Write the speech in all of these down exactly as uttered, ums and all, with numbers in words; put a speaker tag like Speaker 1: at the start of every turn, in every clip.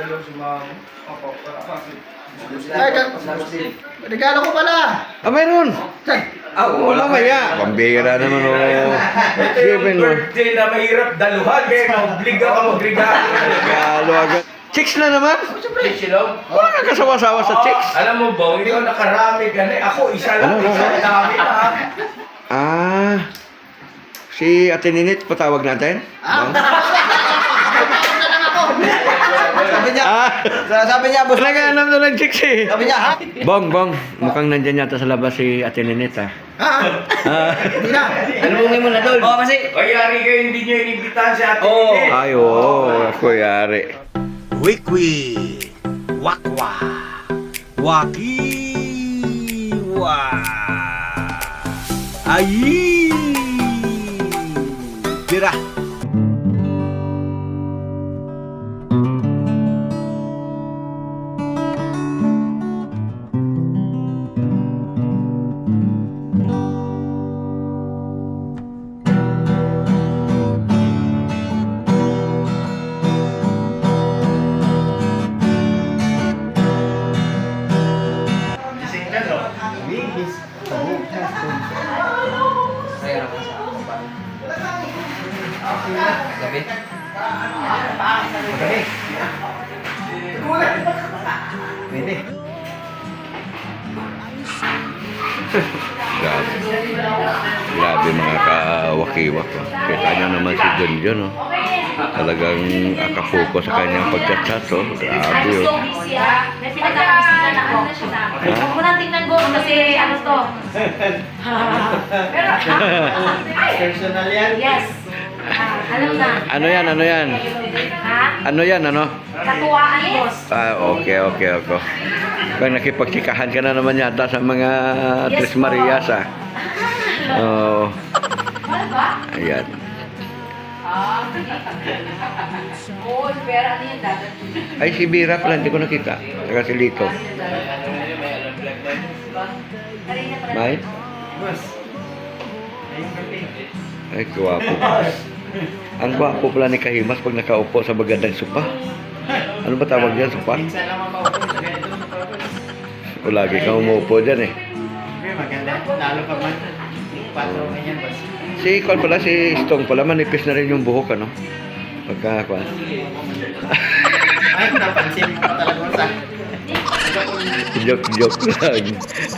Speaker 1: dalaw si mama. Opo, para kasi.
Speaker 2: Ay, ka- regalo ko pala.
Speaker 3: Ah, mayroon.
Speaker 2: Saan?
Speaker 3: Ah, wala maya. Pambira naman o.
Speaker 1: Ito yung birthday na mahirap daluhan. Kaya maobliga ka magregalo.
Speaker 3: Regalo agad. Chicks na naman.
Speaker 1: Siyempre, silog.
Speaker 3: Wala ka kasawa-sawa sa chicks.
Speaker 1: Alam mo ba, ikaw nakarami ka na. Ako, isa lang.
Speaker 3: Ano, ano,
Speaker 1: Isa
Speaker 3: ano?
Speaker 1: dami na.
Speaker 3: Ah. Si Ate Ninit, patawag natin?
Speaker 2: Ah.
Speaker 3: Ah.
Speaker 2: Sabi niya,
Speaker 3: Ah.
Speaker 2: sabi niya, boss.
Speaker 3: Nag-aanam na ng chicks eh.
Speaker 2: Sabi niya, ha?
Speaker 3: Bong, Bong. Mukhang nandyan yata sa labas si Ate Ninit ah.
Speaker 2: Ha?
Speaker 3: Ah.
Speaker 2: Hindi na.
Speaker 4: Alubungin mo na doon. Oo, kasi.
Speaker 1: O, yari kayo, hindi nyo inibitahan si Ate
Speaker 4: Oo.
Speaker 1: Nene.
Speaker 3: Ay, oo. Ako yari.
Speaker 5: Wikwi, wakwa, wakiwa, ayi, tira.
Speaker 1: Gising ka, no?
Speaker 4: Gabi.
Speaker 2: Pwede.
Speaker 3: Grabe. Grabe mga kawakiwak. Oh. Kita nyo naman si John John. Oh. Talagang akapokus sa kanyang pagchat-chat. Oh. Grabe
Speaker 6: Gusto
Speaker 3: oh.
Speaker 6: busy ah. May pinagkakabisihan ako. Huwag mo nang tingnan ko kasi ano to. Pero,
Speaker 2: Personal yan.
Speaker 6: yes. Ah, alam na.
Speaker 3: Ano yan? Ano yan?
Speaker 6: Ha?
Speaker 3: Ano yan? Ano?
Speaker 6: Katuwaan, boss.
Speaker 3: Ah, okay, okay, okay. Pag nakipagtsikahan ka na naman yata sa mga
Speaker 6: Yes,
Speaker 3: Tres Marias ah. Oo.
Speaker 6: Ano ba?
Speaker 3: Ayan.
Speaker 6: Ah. Oo, pero ano yung dagat?
Speaker 3: Ay, si Bira pala, hindi ko nakita. Saka si Lito. May? Ay, gwapo. Ang gwapo pala ni Kahimas pag nakaupo sa magandang sopa. Ano ba tawag yan, sopa?
Speaker 2: Minsan naman maupo sa ganito.
Speaker 3: O lagi kang umuupo dyan eh.
Speaker 2: Okay, maganda. Lalo pa man. Patro ganyan, boss.
Speaker 3: Si Kwan pala, si Stong pala, manipis na rin yung buhok, ano? Pagka, Kwan.
Speaker 2: Ay, napansin mo pa talaga, boss, ah.
Speaker 3: Joke-joke lang.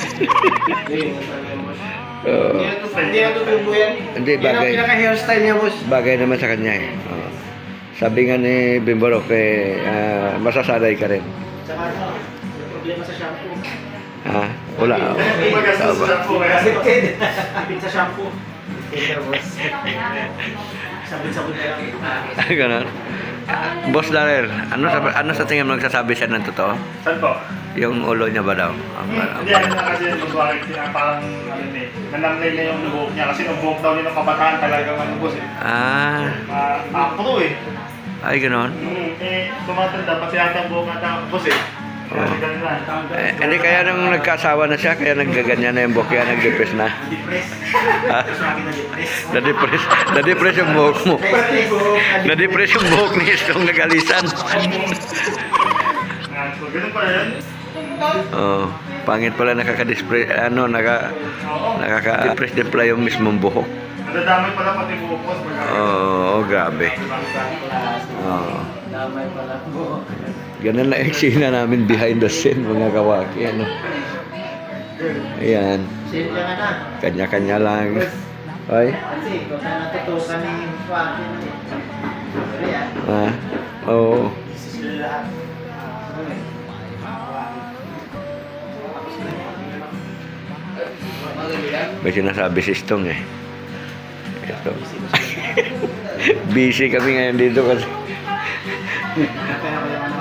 Speaker 3: Oo.
Speaker 2: Hindi na tutubo yan.
Speaker 3: Hindi,
Speaker 2: Yan
Speaker 3: bagay.
Speaker 2: ang pinaka-hairstyle niya, boss.
Speaker 3: Bagay naman sa kanya eh. Oo. Sabi nga ni Bimborok eh, ah, masasanay ka rin.
Speaker 2: Saka ano, may problema sa shampoo.
Speaker 3: Ha? Wala.
Speaker 1: Magastos sa shampoo kaya.
Speaker 2: Addicted. Addicted sa shampoo. Addicted, boss. Sabon-sabon na lang.
Speaker 3: Ganon. Boss Darrell, ano sa, ano sa tingin mo nagsasabi siya ng totoo?
Speaker 1: Saan po?
Speaker 3: Yung ulo niya ba daw? Ang- ang-
Speaker 1: Hindi, ano na kasi mag-work siya, parang ano eh, nanamlay na yung buhok niya kasi yung buhok daw niya ng kabataan talagang ano boss eh.
Speaker 3: Ah,
Speaker 1: Ah, afro eh.
Speaker 3: ay ganon.
Speaker 1: Hmm, eh, tumatanda pati yata ang buhok natin boss eh. Kaya
Speaker 3: Oo.
Speaker 1: si ganun na.
Speaker 3: Eh, hindi kaya nung nagkasawa na siya, kaya naggaganyan na yung buhok, kaya nag-depress na.
Speaker 2: Depressed.
Speaker 3: Ha?
Speaker 2: Gusto natin na-depress.
Speaker 3: Na-depress, na-depress yung buhok mo.
Speaker 2: Pati buhok.
Speaker 3: Na-depress yung buhok ni Stong nagalisan.
Speaker 1: Ah, so, ganun pa yan.
Speaker 3: Oh, pangit pala nakaka-depress, ano, naka, nakaka-depress din pala yung mismong buhok.
Speaker 1: Nadadamay pala pati buhok boss. pag-
Speaker 3: Oo, oh, grabe. Oo.
Speaker 2: Damay pala buhok.
Speaker 3: Ganun lang eksena namin behind the scene, mga kawaki, ano. Ayan,
Speaker 2: Sale ka na.
Speaker 3: kanya-kanya lang. Ay,
Speaker 2: Kasi kung saan natutukan ni Joaquin. Sorry, ah.
Speaker 3: ah, oo.
Speaker 2: Sila lahat.
Speaker 3: May sinasabi si Stong eh. Ito. Busy kami ngayon dito kasi.
Speaker 2: Kaya ko yung ano.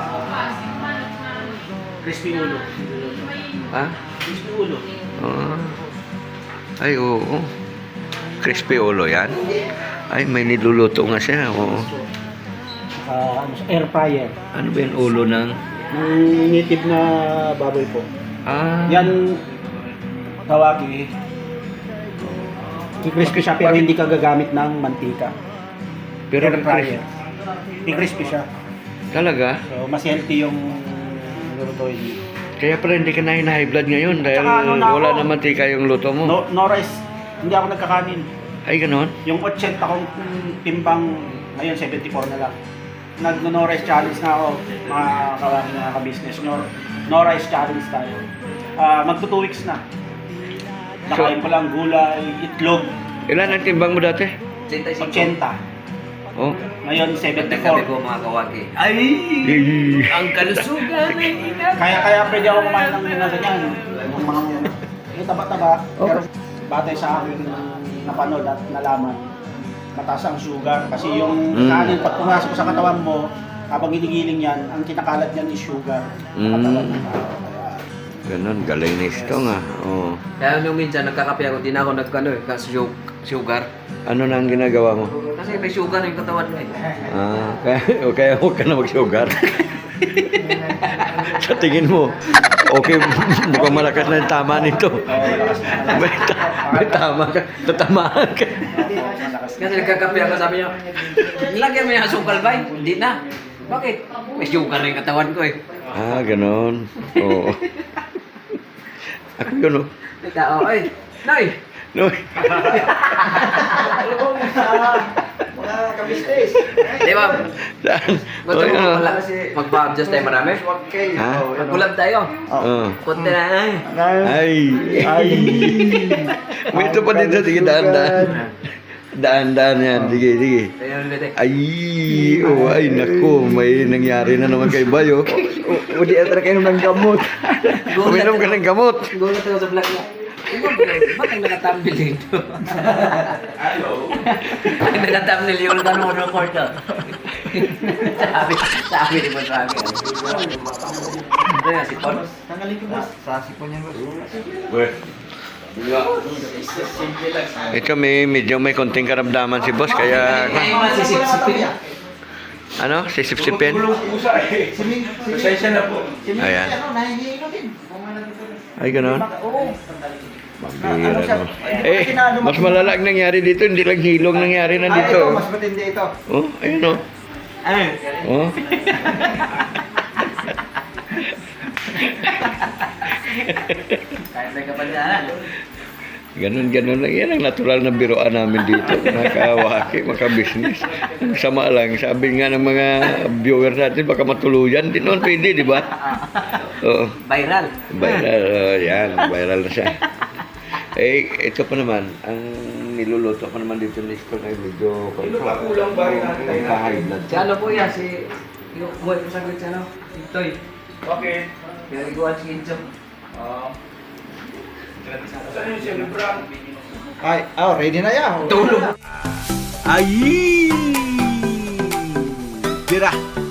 Speaker 2: Crispy ulo.
Speaker 3: Ha?
Speaker 2: Crispy ulo.
Speaker 3: Ah. Ay, oo. Crispy ulo yan. Ay, may niluluto nga siya. Oo.
Speaker 7: Ah, ano, air fryer.
Speaker 3: Ano ba yung ulo ng...
Speaker 7: Yung native na baboy po.
Speaker 3: Ah.
Speaker 7: Yan, tawagi. I-crispy siya pero hindi ka gagamit ng mantika.
Speaker 3: Pero
Speaker 7: Air fryer. I-crispy siya.
Speaker 3: Talaga?
Speaker 7: So, mas healthy yung lulutuin niyo.
Speaker 3: Kaya pala hindi ka na high blood ngayon dahil
Speaker 7: Tsaka ano na
Speaker 3: wala
Speaker 7: ako?
Speaker 3: naman tika yung luto mo.
Speaker 7: No, no rice. Hindi ako nagkakanin.
Speaker 3: Ay, ganon?
Speaker 7: Yung eighty kong timbang, ngayon seventy-four na lang. Nag-no rice challenge na ako, mga kawang mga ka-business nyo. No rice challenge tayo. Ah, magto two weeks na. Nakain ko lang gulay, itlog,
Speaker 3: Ilan ang timbang mo dati?
Speaker 4: eighty.
Speaker 7: eighty.
Speaker 3: Oh.
Speaker 7: Ngayon
Speaker 4: Ganda
Speaker 7: seventy-four.
Speaker 4: kami ko mga kawaki. Ay!
Speaker 3: Eh,
Speaker 4: Ang kalusugan ay ingat.
Speaker 7: Kaya kaya pwede ako kumain ng mga ganyan. Yung mga yung taba-taba. Pero batay sa akin na napanood at nalaman, mataas ang sugar. Kasi yung
Speaker 3: Mm.
Speaker 7: kanin, pag pumasok sa katawan mo, habang ginigiling yan, ang kinakalat yan is sugar.
Speaker 3: Mm.
Speaker 7: Katawan ng tao. Kaya,
Speaker 3: Ganon, galing ni Stong ah. Oh.
Speaker 4: Kaya nung minsan nagkakape ako, di na ako nagkano eh, kasi sugar.
Speaker 3: Ano na ang ginagawa mo?
Speaker 4: Kasi may sugar yung katawan mo eh.
Speaker 3: Ah, kaya, o kaya huwag ka na mag-sugar. Sa tingin mo, okay, mukhang malakas na yung tama nito. May, ta- may tama ka, tatamaan ka.
Speaker 4: Kasi nagkakape ako, sabi niya, lagyan mo yung asukal ba? Hindi na. Bakit? May sugar na yung katawan ko eh.
Speaker 3: Ah, ganon. Oo. Ako yun, oh.
Speaker 4: May tao, ay, Nay!
Speaker 3: No.
Speaker 2: Mga kabisnes.
Speaker 4: Di ba?
Speaker 3: Saan?
Speaker 4: Gusto
Speaker 3: Oh,
Speaker 4: mo
Speaker 3: ano?
Speaker 4: pala mag-adjust tayo marami?
Speaker 3: Ha?
Speaker 4: Mag-collab tayo.
Speaker 3: Oh.
Speaker 4: Kunti na ay.
Speaker 3: Ay. Ay. May ito pa dito. Sige, daan-daan. Daan-daan yan. Sige, sige.
Speaker 4: Tayo ulit eh.
Speaker 3: Ay. Oh, ay, naku. May nangyari na naman kay Bayo.
Speaker 2: O di atra kayo ng gamot.
Speaker 3: Uminom ka ng gamot.
Speaker 4: Gulat ako sa vlog niya. Ba't ang nakatambil dito? Ang nakatambil yung tanong ng court Sabi, sabi ni Boss Rami. Ito nga si Paul.
Speaker 2: Tanggalin ko boss. Sa sipon yan boss.
Speaker 3: Ito may medyo may konting karamdaman si boss kaya
Speaker 4: Ay, masisip-sipin.
Speaker 3: ano, sisip-sipin.
Speaker 1: Pasensya na po.
Speaker 3: Ayan.
Speaker 2: Ano, nahihilo din.
Speaker 3: Ay, gano'n.
Speaker 2: Oo.
Speaker 3: Mabira no. Eh, mas malala ang nangyari dito, hindi lang hilong nangyari na
Speaker 2: Ah, ito,
Speaker 3: dito.
Speaker 2: mas matindi ito.
Speaker 3: Oh, ayun oh.
Speaker 2: Ano?
Speaker 3: Oh.
Speaker 4: Kahit may kapanyanan.
Speaker 3: Ganun, ganun lang. Yan ang natural na biroan namin dito. Nakawaki, makabisnes. Ang sama lang. Sabi nga ng mga viewer natin, baka matuluyan. Di naman pwede, di ba? Oo.
Speaker 4: Viral.
Speaker 3: Viral. Oh, yan, viral na siya. Eh, ito pa naman, ang niluluto pa naman dito ni Stone ay medyo
Speaker 1: Kulang ba rin natin?
Speaker 3: high blood.
Speaker 4: Si ano po yan, si... Yung buhay ko saglit si ano? Si Toy.
Speaker 1: Okay.
Speaker 4: Kaya iguan si Incho.
Speaker 1: Ah. Saan yung celebra?
Speaker 2: Ay, oh, ready na yan.
Speaker 4: Tulog.
Speaker 5: Ay! Tira!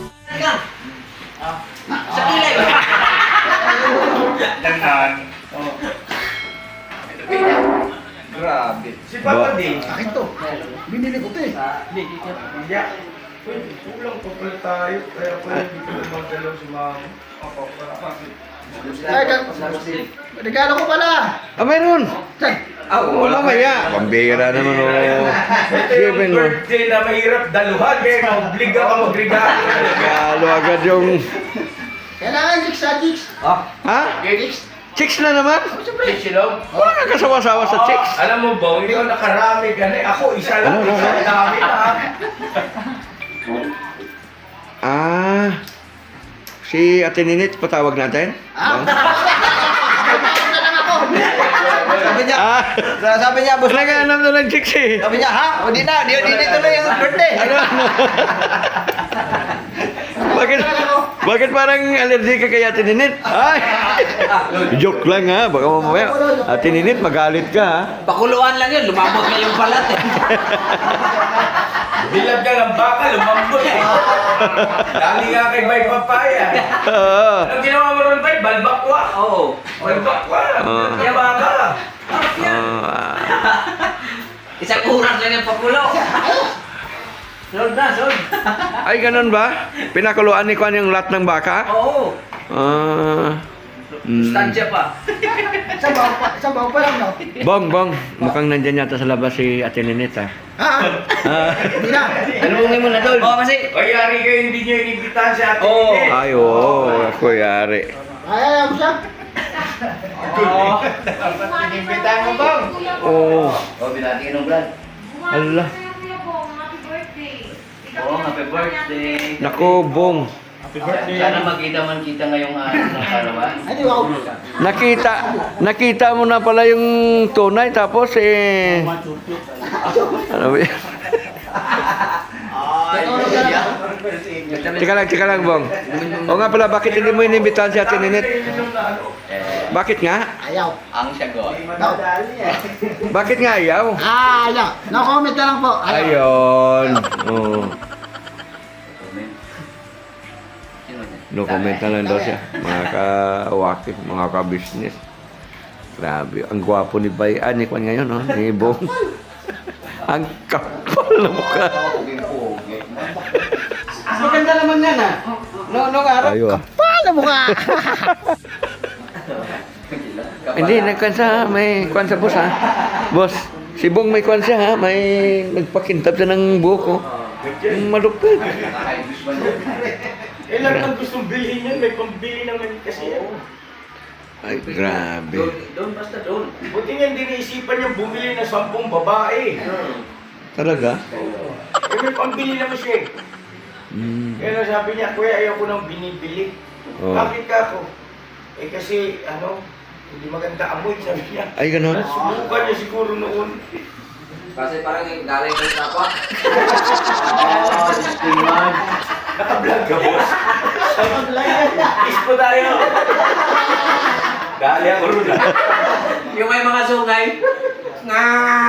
Speaker 4: Sa kilay ba?
Speaker 1: Dandan.
Speaker 2: Grabe.
Speaker 1: Si Papa D.
Speaker 2: Akin to. Binili ko to eh.
Speaker 1: Yeah. Kulang pa pala tayo. Kaya pala hindi ko magdalaw si Mama. Ako, para kasi.
Speaker 2: Ay, ka- regalo ko pala.
Speaker 3: Ah, meron!
Speaker 2: Saan?
Speaker 3: Ah, wala maya. Pambira naman oh.
Speaker 1: Ito
Speaker 3: Given
Speaker 1: yung
Speaker 3: mo.
Speaker 1: birthday na mahirap daluhan. Kaya na-obliga ka mag-regalo.
Speaker 3: Regalo agad yung...
Speaker 2: Kailangan chicks sa chicks.
Speaker 3: Ha?
Speaker 2: Chicks.
Speaker 3: Chicks na naman?
Speaker 1: Siyempre, silog.
Speaker 3: Wala ka kasawa-sawa sa chicks.
Speaker 1: Alam mo ba, hindi ako nakarami ganun. Ako, isa lang.
Speaker 3: Ano, ano,
Speaker 1: Isa
Speaker 3: ano?
Speaker 1: dami na.
Speaker 3: Ah, si Ate Ninit, patawag natin?
Speaker 2: Ah. Sabi niya,
Speaker 3: Ah,
Speaker 2: sabi niya, boss.
Speaker 3: nag-aanam na ng chicks eh.
Speaker 2: Sabi niya, ha? O di na, di, di, di tuloy yung birthday.
Speaker 3: Ano, ano? Bakit, bakit parang allergic ka kay Ate Ninit? Ay, joke lang ha, baka mamaya. Ate Ninit, magalit ka ha.
Speaker 4: Pakuluan lang yun, lumabot na yung balat eh.
Speaker 1: Bilab ka ng baka, lumambot eh. Dali nga kay Bay Papaya.
Speaker 3: Oo.
Speaker 1: Anong ginawa mo ron, Bay? Balbakwa.
Speaker 4: Oo.
Speaker 1: Balbakwa.
Speaker 3: Ah.
Speaker 1: Kaya baka.
Speaker 3: Ah,
Speaker 4: Isang oras lang yung pakulo. Sold na, sold.
Speaker 3: ay, ganun ba? Pinakuluan ni Kwan yung lahat ng baka?
Speaker 4: Oo.
Speaker 3: Ah, Mm.
Speaker 4: Stansya pa.
Speaker 2: Sabaw pa, sabaw pa lang, no?
Speaker 3: Bong, Bong, mukhang nandyan yata sa labas si Ate Ninette, ha?
Speaker 2: Ha?
Speaker 3: Ah,
Speaker 2: Hindi na.
Speaker 4: Tanungin mo na doon. Oo, kasi.
Speaker 7: Kayari kayo hindi nyo inibitahan si Ate
Speaker 4: Oo.
Speaker 7: Ninette.
Speaker 3: ay, oo, ako yari.
Speaker 2: Ay, ayaw mo siya.
Speaker 6: Inimbitahan mo bang?
Speaker 3: Oo.
Speaker 4: Oh, binati ka ng vlog.
Speaker 3: Ala.
Speaker 6: Happy birthday.
Speaker 4: Oo, happy birthday.
Speaker 3: Nako, Bong.
Speaker 4: Sana magkita man kita ngayong araw ng karawan.
Speaker 2: Ay, di wow.
Speaker 3: Nakita, nakita mo na pala yung tunay, tapos eh... Ano ba yan? Teka lang, teka lang, Bong. O nga pala, bakit hindi mo inimbitahan si Ate Ninette? Bakit nga?
Speaker 2: Ayaw.
Speaker 4: Ang sagot.
Speaker 2: No.
Speaker 3: Bakit nga ayaw?
Speaker 2: Ah, ayaw. No comment na lang po. Ayaw.
Speaker 3: Ayun. Oh.
Speaker 4: Sino yan?
Speaker 3: No comment na lang daw siya. Mga ka-waki, mga ka-business. Grabe. Ang gwapo ni Bay. Ah, ni Kwan ngayon, no? Ni Bong. Ang kapal na mukha.
Speaker 2: Maganda naman yan, ha? No, no, araw.
Speaker 3: Ayo ah.
Speaker 2: Paano mo ka?
Speaker 3: Hindi, nagkwan sa, may kwan sa boss, ha? Boss, si Bong may kwan siya, ha? May nagpakintab siya ng buko. Yung malupit.
Speaker 7: Eh, lahat ng gustong bilhin yan, may pambili naman kasi yan.
Speaker 3: Ay, grabe.
Speaker 4: Doon, doon, basta doon.
Speaker 7: Buti nga hindi naisipan niyang bumili ng sampung babae.
Speaker 3: Talaga?
Speaker 7: Eh, may pambili naman siya eh.
Speaker 3: Mm.
Speaker 7: Kaya lang sabi niya, kuya, ayaw ko nang binibili.
Speaker 3: Oh.
Speaker 7: Bakit ka ako? Eh kasi, ano, hindi maganda amoy, sabi niya.
Speaker 3: Ay, ganon?
Speaker 7: Nasubukan niya siguro noon.
Speaker 4: Kasi parang galing ka sa pa. Oo, distingan.
Speaker 7: Naka-vlog ka, boss. Ispo tayo. Dali ako rin.
Speaker 4: Yung may mga sungay. Nga!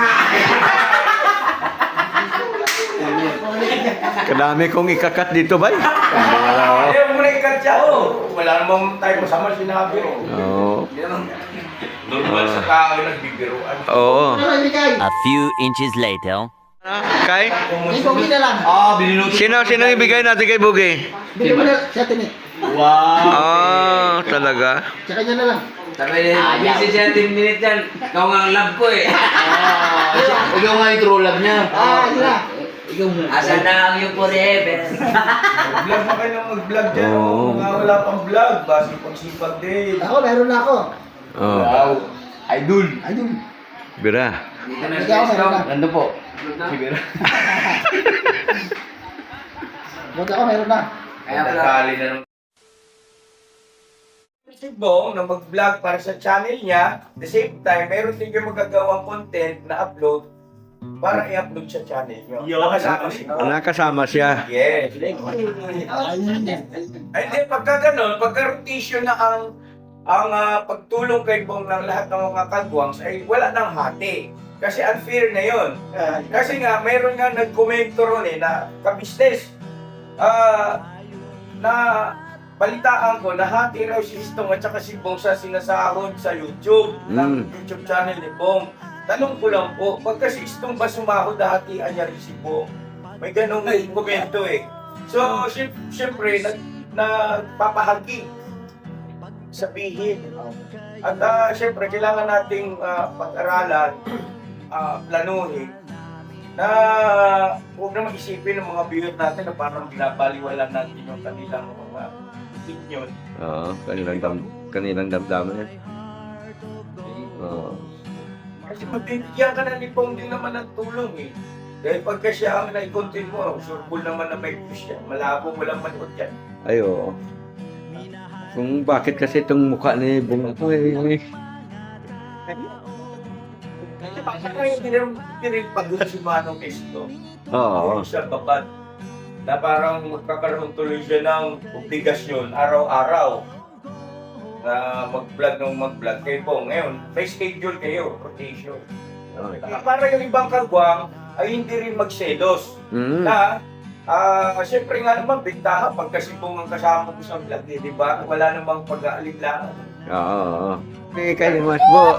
Speaker 3: Kadami kong ikakat dito, Bay. Wala.
Speaker 7: Ayaw mo na ikat siya. Wala namang tayo masama sinabi.
Speaker 3: Oo.
Speaker 4: Hindi naman.
Speaker 7: Normal sa tao nagbibiruan.
Speaker 3: Oo.
Speaker 2: Ano, hindi kay?
Speaker 8: A few inches later.
Speaker 3: Kay?
Speaker 2: Hindi ko na lang.
Speaker 4: Ah, biniluto.
Speaker 3: Sino, sino ibigay natin kay Bugi?
Speaker 2: Bigyan mo na siya tinit.
Speaker 3: Ah, talaga?
Speaker 2: Sa kanya na lang.
Speaker 4: Sabi niya, busy siya ten minutes yan. Ikaw nga ang love ko eh.
Speaker 8: Ikaw nga yung true love niya.
Speaker 2: Ah, yun na.
Speaker 4: Asan na ang yung forever?
Speaker 7: Mag-vlog na kayo ng mag-vlog dyan.
Speaker 3: Oo.
Speaker 7: Oh. Mga wala pang vlog. Basi pagsipag din.
Speaker 2: Ako, meron na ako.
Speaker 3: Oo.
Speaker 7: Wow. Idol.
Speaker 2: Ayun.
Speaker 3: Bira.
Speaker 4: Dito na
Speaker 2: Hindi ako meron na.
Speaker 8: Nandun po.
Speaker 7: Siguro.
Speaker 2: Buti ako, meron na.
Speaker 4: Kaya pala.
Speaker 7: Nakali na nung si Bong na mag-vlog para sa channel niya. At the same time, meron din kayo magagawang content na upload para i-upload sa channel niyo. Nakasama siya.
Speaker 3: Nakasama siya.
Speaker 7: Yes.
Speaker 2: Ayun.
Speaker 7: Ay, hindi, pagka ganun, pagka rotation na ang ang ah, pagtulong kay Bong ng lahat ng mga kagwangs ay wala nang hati. Kasi unfair na yun. Kasi nga, mayroon nga nag-komento ron eh, na kabisnes. Ah, na balitaan ko, nahati raw si Istong at saka si Bong sa sinasahod sa YouTube, ng
Speaker 3: Mm.
Speaker 7: YouTube channel ni Bong. Tanong ko lang po, pagka si Istong ba sumahod, hatian niya rin si Bong? May ganong komento eh. So, sy- syempre, nag, nagpapahagi sabihin. At uh, syempre, kailangan nating ah, pag-aralan, ah, planuhin, na huwag na mag-isipin ng mga viewer natin na parang binabaliwalan natin yung kanilang mga opinion.
Speaker 3: Oo, kanilang, dam kanilang damdaman yan. Oo.
Speaker 7: Kasi mabibigyan ka na ni Pong din naman ng tulong eh. Dahil pagka siya ang nai-content mo, sure full naman na may views yan. Malabo, walang manood yan.
Speaker 3: Ay, oo. Kung bakit kasi itong mukha ni Bong na to eh.
Speaker 7: Kasi parang hindi rin, hindi rin pagod si Manong Esto.
Speaker 3: Oo.
Speaker 7: Hindi siya babad. Na parang magkakaroon tuloy siya ng obligasyon araw-araw na mag-vlog ng mag-vlog kay Bong. Ngayon, may schedule kayo, rotation.
Speaker 3: Okay.
Speaker 7: Saka para yung ibang kagwang ay hindi rin magselos.
Speaker 3: Mm.
Speaker 7: Na, ah, siyempre nga naman, bigtahan pagka si Bong ang kasama ko sa vlog, eh, di ba? Wala namang pag-aalinlangan.
Speaker 3: Oo, oo. Okay, kayo mas bo.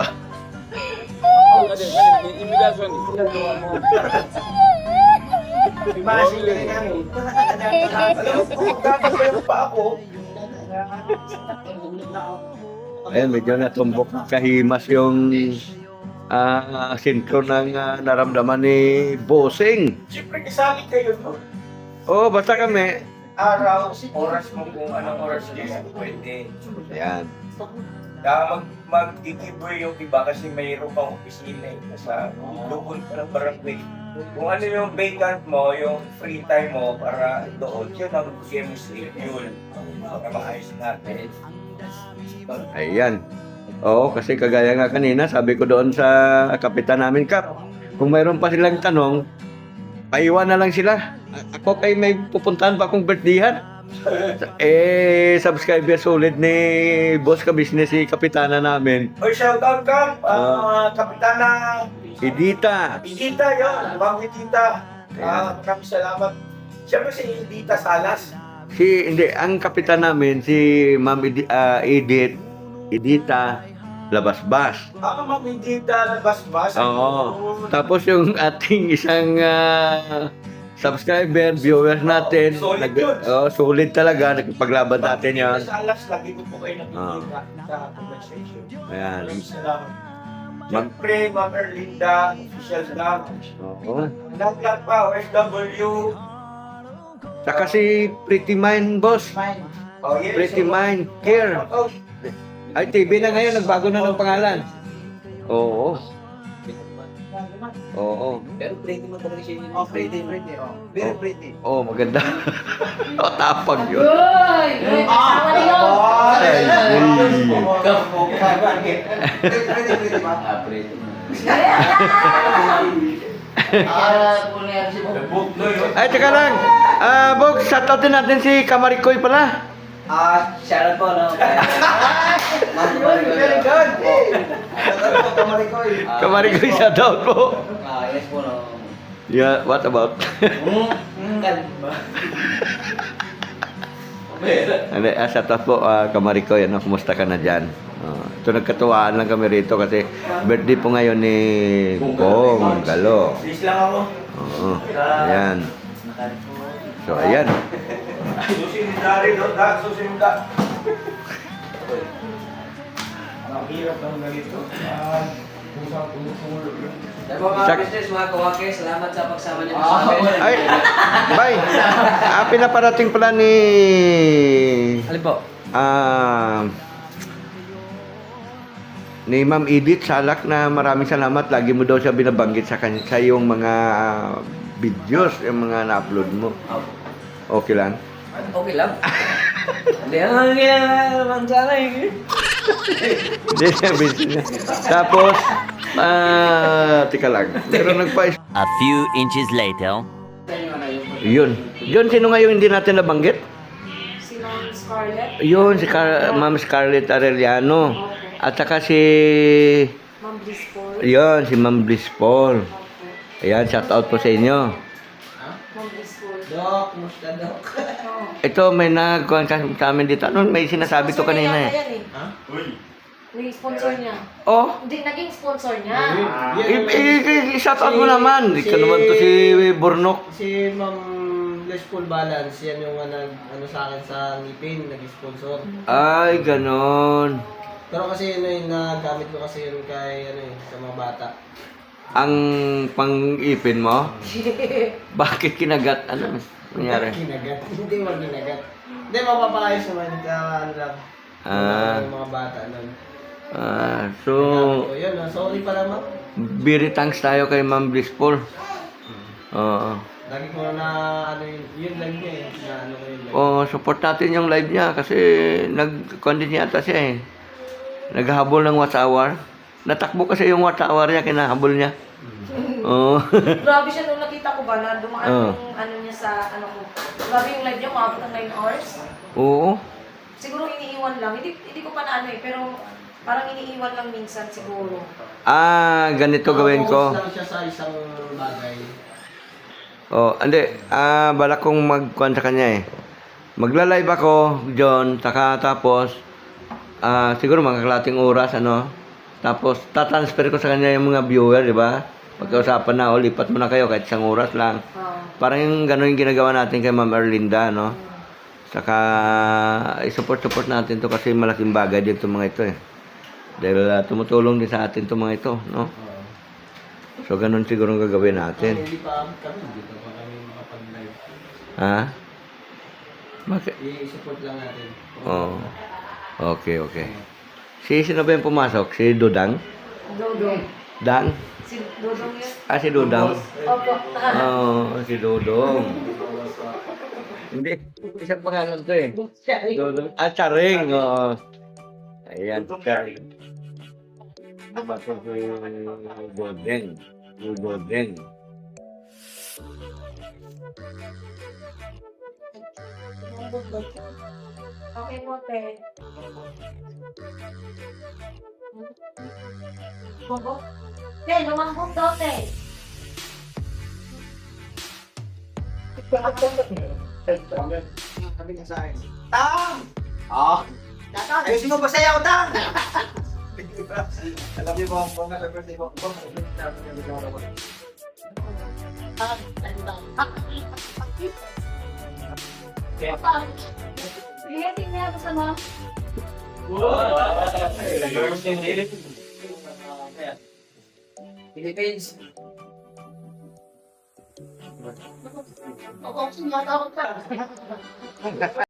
Speaker 7: Imagine ka rin namin. Alam mo, kung gagawin pa ako,
Speaker 3: Ayan, medyo natumbok kahimas yung ah sintro ng ah, naramdaman ni Bossing.
Speaker 7: Siyempre kasali kayo no?
Speaker 3: Oo, basta kami.
Speaker 7: Araw, oras mo kung anong oras din pwede.
Speaker 3: Ayan.
Speaker 9: Kaya mag, mag-giveaway yung iba kasi mayroon pang opisina eh, sa doon pa ng barangay. Kung ano yung vacant mo, yung free time mo para doon, yun ang chemistry, yun. Para maayos natin.
Speaker 3: Ayan. Oo, kasi kagaya nga kanina, sabi ko doon sa kapitan namin, Kap, kung mayroon pa silang tanong, paiwan na lang sila. A- Ako kay may pupuntahan pa akong birthdayhan. Eh, subscriber solid ni boss ka business si kapitana namin.
Speaker 9: Oy, shout out Kap, uh, Kapitana
Speaker 3: Edita.
Speaker 9: Edita yun, Ma'am Edita. Ah, maraming salamat. Siyempre si Edita Salas.
Speaker 3: Si, hindi, ang kapitan namin, si Ma'am Edi, ah, Edith, Edita, Labasbas.
Speaker 9: Ah, Ma'am Edita Labasbas.
Speaker 3: Oo. Tapos yung ating isang ah, subscriber, viewers natin,
Speaker 9: Solid
Speaker 3: nag,
Speaker 9: yun.
Speaker 3: oh, solid talaga, nagpaglaban natin yan.
Speaker 9: Edita Salas, lagi ko po kayo
Speaker 3: Ah.
Speaker 9: nakikita sa conversation.
Speaker 3: Ayan.
Speaker 9: Maraming salamat.
Speaker 3: Mag-
Speaker 9: Siyempre, Ma'am Erlinda, official lang.
Speaker 3: Oo.
Speaker 9: Lahat pa, O F W.
Speaker 3: Saka si Pretty Mind, boss.
Speaker 2: Fine.
Speaker 9: Oh, yes.
Speaker 3: Pretty Mind, care.
Speaker 9: Oh,
Speaker 3: Ay, T V na ngayon, nagbago na ng pangalan. Oo. Oo.
Speaker 4: Pero pretty mo talaga siya yun.
Speaker 2: Oh, pretty, pretty. Oh. Very pretty.
Speaker 3: Oo, maganda. O, tapag yun.
Speaker 6: Uy! Uy! Kasama na yun!
Speaker 3: Ay,
Speaker 2: Pretty, pretty ba?
Speaker 4: Ah, pretty mo.
Speaker 2: Ah, kunyari si
Speaker 3: Ay, teka lang. Ah, Bog, shoutout din natin si Kamarikoy pala.
Speaker 4: Ah, shoutout po, no?
Speaker 2: Very good. Shoutout po, Kamarikoy.
Speaker 3: Kamarikoy, shoutout po.
Speaker 4: Ah, yes po, no?
Speaker 3: Yeah, what about?
Speaker 4: Hmm, hmm, kalma.
Speaker 3: Ano, ah, shoutout po, ah, Kamarikoy. Ano, kumusta ka na dyan? Ah, ito, nagkatuwaan lang kami rito kasi birthday po ngayon ni Bong Galo.
Speaker 9: please lang ako.
Speaker 3: Oo, ayan. So, ayan.
Speaker 9: Susin ni Dari, no? Da, susin mo da. Ang hirap ng ganito. Ah, pusang tumutulog.
Speaker 4: Sa mga
Speaker 3: Sak-
Speaker 4: business, mga kawake, salamat sa pagsama niyo sa amin.
Speaker 3: Ay, bye. Ah, pinaparating pala ni...
Speaker 4: Alin po?
Speaker 3: Ah... ni Ma'am Edith Salak na maraming salamat. Lagi mo daw siya binabanggit sa, kanya, sa iyong mga ah, videos, yung mga na-upload mo. Okay lang?
Speaker 4: Okay lang. Hindi ang ginagawa sana eh.
Speaker 3: Hindi siya business. Tapos, ah, tika lang. Pero nagpa
Speaker 8: A few inches later.
Speaker 3: Yun. Yun, sino nga yung hindi natin nabanggit?
Speaker 6: Si Ma'am Scarlett.
Speaker 3: Yun, si Car- Ma'am Scarlett Arellano. At saka si...
Speaker 6: Ma'am Blissful.
Speaker 3: Yun, si Ma'am Bliss Paul. Ayan, shout out po sa inyo.
Speaker 6: Ma'am Blissful.
Speaker 2: Dok, kumusta, Dok?
Speaker 6: Oo.
Speaker 3: Ito, may nagkuhan sa sa amin dito. Ano, may sinasabi to
Speaker 6: Sponsor niya
Speaker 3: kanina
Speaker 6: yata
Speaker 3: eh.
Speaker 6: yan eh.
Speaker 1: Uy.
Speaker 6: Naging sponsor niya.
Speaker 3: Oh,
Speaker 6: Hindi, naging sponsor niya.
Speaker 3: i- i- i- i-shout out mo naman. Ikaw naman to si Burnok.
Speaker 2: Si Ma'am Blissful Balance, yan yung uh, nag, ano sa akin sa ngipin, nag-sponsor.
Speaker 3: Ay, ganon.
Speaker 2: Pero kasi yun yung nagamit ko kasi yun kay ano eh, sa mga bata.
Speaker 3: Ang pang-ipin mo? Bakit kinagat? Ano? Nangyari?
Speaker 2: Kinagat. Hindi mo kinagat. Hindi, mapapakayos naman ka ano lang.
Speaker 3: Ah.
Speaker 2: Yung mga bata nun.
Speaker 3: Ah, so,
Speaker 2: So, yun, ah, sorry pala ma'am.
Speaker 3: very thanks tayo kay Ma'am Bliss Paul. Oo.
Speaker 2: Lagi ko na ano yun, yun live niya eh. Na ano ko yun live.
Speaker 3: Oh, support natin yung live niya kasi nag-content yata siya eh. Naghahabol ng watch hour. Natakbo kasi yung watch hour niya, kinahabol niya. Oo.
Speaker 6: Grabe siya nung nakita ko ba na dumaan
Speaker 3: Oo.
Speaker 6: yung ano niya sa ano ko. Grabe yung live niya, umabot ng nine hours.
Speaker 3: Oo.
Speaker 6: Siguro iniiwan lang. Hindi, hindi ko pa na ano eh, pero parang iniiwan lang minsan siguro.
Speaker 3: Ah, ganito gawin ko.
Speaker 2: Focus lang siya sa isang bagay.
Speaker 3: Oh, hindi. Ah, balak kong magkuhan sa kanya eh. Magla-live ako, John, saka tapos, ah, siguro mga kalating oras, ano. Tapos, tatransfer ko sa kanya yung mga viewer, di ba? Pagkausapan na, o, lipat mo na kayo kahit isang oras lang.
Speaker 6: Oo.
Speaker 3: Parang yung gano'n yung ginagawa natin kay Ma'am Erlinda, no? Saka, i-support-support natin to kasi malaking bagay din itong mga ito eh. Dahil ah, tumutulong din sa atin itong mga ito, no?
Speaker 2: Oo.
Speaker 3: So, ganun siguro ang gagawin
Speaker 2: Kung
Speaker 3: natin.
Speaker 2: hindi pa kami, hindi pa pa kami makapag-live.
Speaker 3: Ha? Bakit?
Speaker 2: I-support lang natin.
Speaker 3: Oo. Okay, okay. Si sino ba yung pumasok? Si Dudang?
Speaker 6: Dodong.
Speaker 3: Dang?
Speaker 6: Si Dodong yun.
Speaker 3: Ah, si Dudang.
Speaker 6: Opo.
Speaker 3: Oo, si Dudong. Hindi, isang pangalan to eh. Dudong. Ah, Charing. Oo. Ayan, Charing. Ano to si Dudeng? Si Dudeng.
Speaker 6: Okay mo, te. Bobo? Te, lumambot daw, te.
Speaker 2: Sabi niya sa akin, Tang! Oo. Tang! Ayusin mo ba sa'yo, Tang? Alam niyo ba, kung nasa birthday mo, kung nasa birthday mo,
Speaker 6: Sige, tingnan ako sa mga.
Speaker 2: Philippines. Ako, sinatawag ka.